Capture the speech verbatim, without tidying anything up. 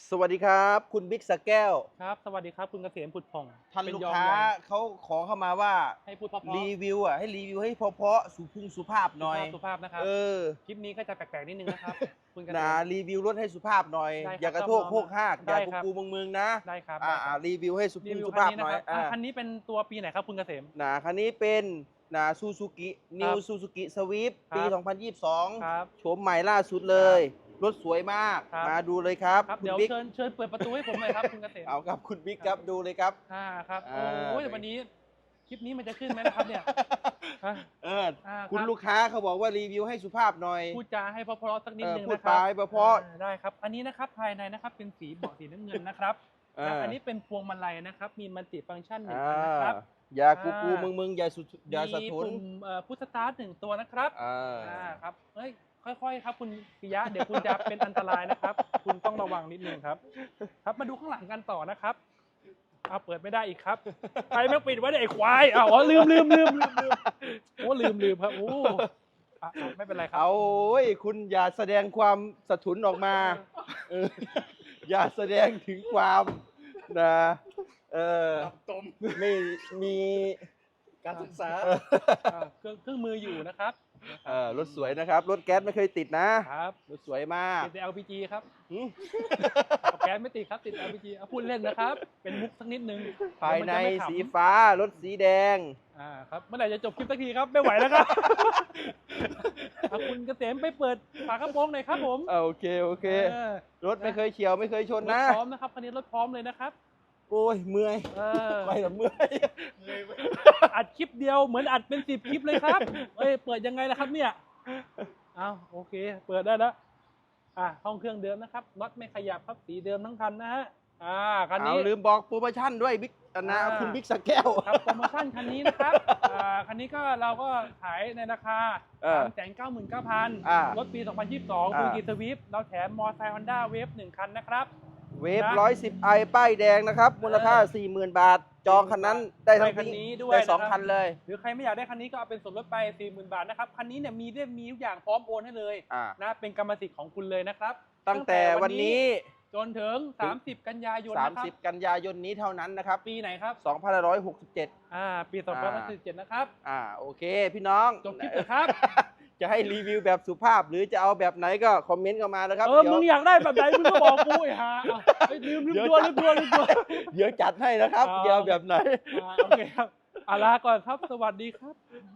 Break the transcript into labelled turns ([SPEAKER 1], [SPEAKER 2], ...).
[SPEAKER 1] สวัสดีครับคุณบิ๊กสะแก้ว
[SPEAKER 2] ครับสวัสดีครับคุณเกษมผุดผ่อง
[SPEAKER 1] ท่าน
[SPEAKER 2] เป็น
[SPEAKER 1] ลูก
[SPEAKER 2] ยอม
[SPEAKER 1] ค้า
[SPEAKER 2] ใหญ่
[SPEAKER 1] เขาขอเข้ามาว่า
[SPEAKER 2] ให้พูดเพราะๆ
[SPEAKER 1] รีวิวอ่ะให้รีวิวให้เพราะๆสุภุงสุภาพหน่อย
[SPEAKER 2] สุภาพนะครับ
[SPEAKER 1] เออ
[SPEAKER 2] คลิปนี้ก็จะแปลกๆนิดนึงนะครับคุณเกษ
[SPEAKER 1] นะ
[SPEAKER 2] ม
[SPEAKER 1] รีวิวรถให้สุภาพหน่อย
[SPEAKER 2] ได้ครับ
[SPEAKER 1] อย่ากระโทก
[SPEAKER 2] ต้อง
[SPEAKER 1] โคกหากอ
[SPEAKER 2] ได้
[SPEAKER 1] ย่า
[SPEAKER 2] ครับ
[SPEAKER 1] กูกูมึงมึงนะ
[SPEAKER 2] ได้ครับ
[SPEAKER 1] อ่า
[SPEAKER 2] ได้ค
[SPEAKER 1] อ่า
[SPEAKER 2] รับ
[SPEAKER 1] รีวิวให้สุ
[SPEAKER 2] รี
[SPEAKER 1] ภุง
[SPEAKER 2] วิว
[SPEAKER 1] สุ
[SPEAKER 2] คัน
[SPEAKER 1] ภาพ
[SPEAKER 2] นี้
[SPEAKER 1] ห
[SPEAKER 2] นะ
[SPEAKER 1] น่อย
[SPEAKER 2] ครับอ่ะ
[SPEAKER 1] อ่า
[SPEAKER 2] คันนี้เป็นตัวปีไหนครับคุณเกษม
[SPEAKER 1] นะคันนี้เป็นนะซูซูกินิว
[SPEAKER 2] ครับ
[SPEAKER 1] ซูซูกิสวิฟปี
[SPEAKER 2] ครับ
[SPEAKER 1] สองพันยี่สิบสอง
[SPEAKER 2] ครับ
[SPEAKER 1] โฉมใหม่ล่าสุดเลย รถสวยมาก
[SPEAKER 2] ครับ
[SPEAKER 1] มาดูเลยครับ
[SPEAKER 2] ครับ
[SPEAKER 1] คุณ
[SPEAKER 2] เดี๋ยว
[SPEAKER 1] บิ๊ก
[SPEAKER 2] เชิญเชิญเปิดประตูให้ผมหน่อยครับคุณเกษม
[SPEAKER 1] เอาครับคุณบิ๊กครับดูเลยครับ
[SPEAKER 2] อ่าครับ
[SPEAKER 1] อ่า
[SPEAKER 2] โอ้ยแต่วันนี้คลิปนี้มันจะขึ้นไหมนะครับเนี่ยฮะ
[SPEAKER 1] เออ
[SPEAKER 2] อ่า
[SPEAKER 1] คุณ
[SPEAKER 2] รับ
[SPEAKER 1] ลูกค้าเขาบอกว่ารีวิวให้สุภาพหน่อย
[SPEAKER 2] พูดจาให้เพราะๆสักนิด
[SPEAKER 1] เออ
[SPEAKER 2] นึง
[SPEAKER 1] พูด
[SPEAKER 2] นะครั
[SPEAKER 1] ไปเพราะๆ
[SPEAKER 2] อ่าได้ครับ อันนี้นะครับภายในนะครับเป็นสีเบาะสีน้ำเงินนะครับ
[SPEAKER 1] เออ
[SPEAKER 2] และอันนี้เป็นพวงมาลัยนะครับ มีมัลติฟังก์ชันหนึ่ง
[SPEAKER 1] อ่า
[SPEAKER 2] อันนะครับ
[SPEAKER 1] อย่ากู
[SPEAKER 2] อ่า
[SPEAKER 1] กูมึงมึงอย่าสุดอย่าสะ
[SPEAKER 2] มี
[SPEAKER 1] ทุน
[SPEAKER 2] ปุ่มเอ่อพุทสตาร์ทหนึ่งตัวนะครับ
[SPEAKER 1] อ่า
[SPEAKER 2] อ่าครับเฮ้ยค่อยๆครับคุณปิยะเดี๋ยวคุณจะเป็นอันตรายนะครับ คุณต้องระวังนิดนึงครับ ครับมาดูข้างหลังกันต่อนะครับเอาเปิดไม่ได้อีกครับใครไม่ปิดไว้เนี่ยไอ้ควายอ้าวอ๋อลืมลืมลืมลืมลืมโอ้ลืมลืมครับโอ้อ่ะอ่ะไม่เป็นไรครับ
[SPEAKER 1] เอาโอ้ยคุณอย่าแสดงความสะทุนออกมาเอออย่าแสดงถึงความนะเออ
[SPEAKER 2] ตม
[SPEAKER 1] ไม่มี
[SPEAKER 2] การศึกษาเครื่องเครื่องมืออยู่นะครับ
[SPEAKER 1] เออรถสวยนะครับ รถแก๊สไม่เคยติดนะครับ รถสวยมาก
[SPEAKER 2] ติดแต่ แอล พี จี ครับ
[SPEAKER 1] หืม
[SPEAKER 2] เอาแก๊สไม่ติดครับติด แอล พี จี เอาพูดเล่นนะครับ เป็นมุกสักนิดนึง
[SPEAKER 1] ภายใน
[SPEAKER 2] เดี๋วมัจะไม่ขำ
[SPEAKER 1] สีฟ้ารถสีแดง
[SPEAKER 2] อ่าครับเมื่อไหร่จะจบคลิปสักทีครับไม่ไหวแล้วครับเอาคุณเกษมไปเปิดฝากระโปรงหน่อยครับผม
[SPEAKER 1] อ่าโอเคโอเค
[SPEAKER 2] เออ
[SPEAKER 1] รถไม่เคยเฉียวไม่เคยชน
[SPEAKER 2] รถ
[SPEAKER 1] นะ
[SPEAKER 2] พร้อมนะครับคันนี้รถพร้อมเลยนะครับ
[SPEAKER 1] โอ้ยเมื่อย
[SPEAKER 2] เออ
[SPEAKER 1] ไปแล้วเมื่อย
[SPEAKER 2] อัดคลิปเดียวเหมือนอัดเป็นสิบคลิปเลยครับเอ้ยเปิดยังไงล่ะครับเนี่ยเอาโอเค เปิดได้แล้วอ่าห้องเครื่องเดิมนะครับน็อตไม่ขยับครับสีเดิมทั้งคันนะฮะอ่าคัน
[SPEAKER 1] เอา
[SPEAKER 2] นี้
[SPEAKER 1] ลืมบอกโปรโมชั่นด้วยบิ๊กอันนะ
[SPEAKER 2] อ่า
[SPEAKER 1] คุณบิ๊กสะแก้ว
[SPEAKER 2] ครับโปรโมชั่นคันนี้นะครับอ่าคันนี้ก็เราก็ขายในราคา
[SPEAKER 1] เออ
[SPEAKER 2] สามแสนเก้าหมื่นเก้าพัน
[SPEAKER 1] อ่าร
[SPEAKER 2] ถปี สองพันยี่สิบสอง
[SPEAKER 1] อ่า
[SPEAKER 2] คูกิสวิฟเราแถมมอไซค์ฮอนด้าเวฟหนึ่งคันนะครับ
[SPEAKER 1] เวฟ
[SPEAKER 2] นะ
[SPEAKER 1] ร้อยสิบไอป้ายแดงนะครับ มูลค่า
[SPEAKER 2] เออ
[SPEAKER 1] สี่หมื่นบาท จองคันนั้นได้ทั้ง
[SPEAKER 2] ได้คันนี้ด้วย
[SPEAKER 1] ได้สอง
[SPEAKER 2] นะครับ
[SPEAKER 1] คันเลย
[SPEAKER 2] หรือใครไม่อยากได้คันนี้ก็เอาเป็นส่วนลดไป สี่หมื่น บาทนะครับ คันนี้เนี่ยมีเรียบมีทุกอย่างพร้อมโอนให้เลย
[SPEAKER 1] อ่า
[SPEAKER 2] นะเป็นกรรมสิทธิ์ของคุณเลยนะครับ
[SPEAKER 1] ตั้งแต่วันนี้
[SPEAKER 2] จนถึง สามสิบ กันยายนนะครับ
[SPEAKER 1] 30 กันยายนนี้เท่านั้นนะครับ
[SPEAKER 2] ปีไหนครับ
[SPEAKER 1] สองพันห้าร้อยหกสิบเจ็ด
[SPEAKER 2] อ่าปีสองพันสิบเจ็ดนะครับ
[SPEAKER 1] อ่าโอเค พี่น้อง
[SPEAKER 2] จบคลิปเลยครับ
[SPEAKER 1] จะให้รีวิวแบบสุภาพ หรือจะเอาแบบไหนก็คอมเมนต์เข้ามานะครับ
[SPEAKER 2] เออ
[SPEAKER 1] ดี๋ยว
[SPEAKER 2] มึงอยากได้แบบไหนมึงก็บอกกูไอ้ห่าเอาเฮ้ยลืมลืม
[SPEAKER 1] เดี๋ยว
[SPEAKER 2] ตัวลืมตัวลืมตัว
[SPEAKER 1] เดี๋ยวจัดให้นะครับ
[SPEAKER 2] อ่า
[SPEAKER 1] เดี๋ยวแบบไหน
[SPEAKER 2] อ่าโอเคครับอาลาก่อนครับ สวัสดีครับ